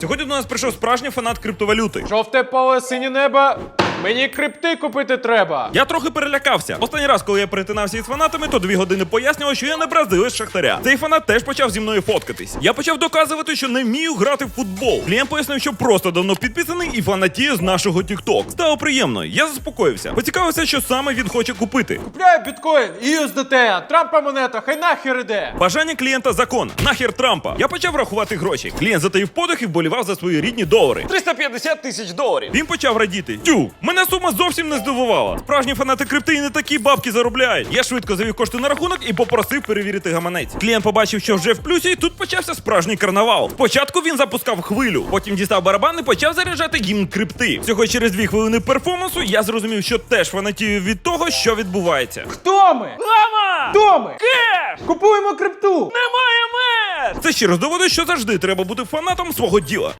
Сьогодні до нас прийшов справжній фанат криптовалюти. Жовте поле, синє небо. Мені крипти купити треба. Я трохи перелякався. Останній раз, коли я перетинався із фанатами, то 2 години пояснював, що я не бразилець Шахтаря. Цей фанат теж почав зі мною фоткатись. Я почав доказувати, що не вмію грати в футбол. Клієнт пояснив, що просто давно підписаний і фанатіє з нашого TikTok. Стало приємно. Я заспокоївся. Поцікавився, що саме він хоче купити. Купляю біткоін і USDT, Трампа монета, хай нахер іде. Бажання клієнта закон. Нахер Трампа. Я почав рахувати гроші. Клієнт затаїв подих і вболівав за свої рідні долари. 350 тисяч доларів. Він почав радіти. Тю, мене сума зовсім не здивувала. Справжні фанати крипти і не такі бабки заробляють. Я швидко завів кошти на рахунок і попросив перевірити гаманець. Клієнт побачив, що вже в плюсі, і тут почався справжній карнавал. Спочатку він запускав хвилю, потім дістав барабан і почав заряджати гімн крипти. Всього через 2 хвилини перформансу я зрозумів, що теж фанатію від того, що відбувається. Хто ми? Лама! Хто ми? Кеш! Купуємо крипту. Немає меж! Це ще раз доводить, що завжди треба бути фанатом свого діла.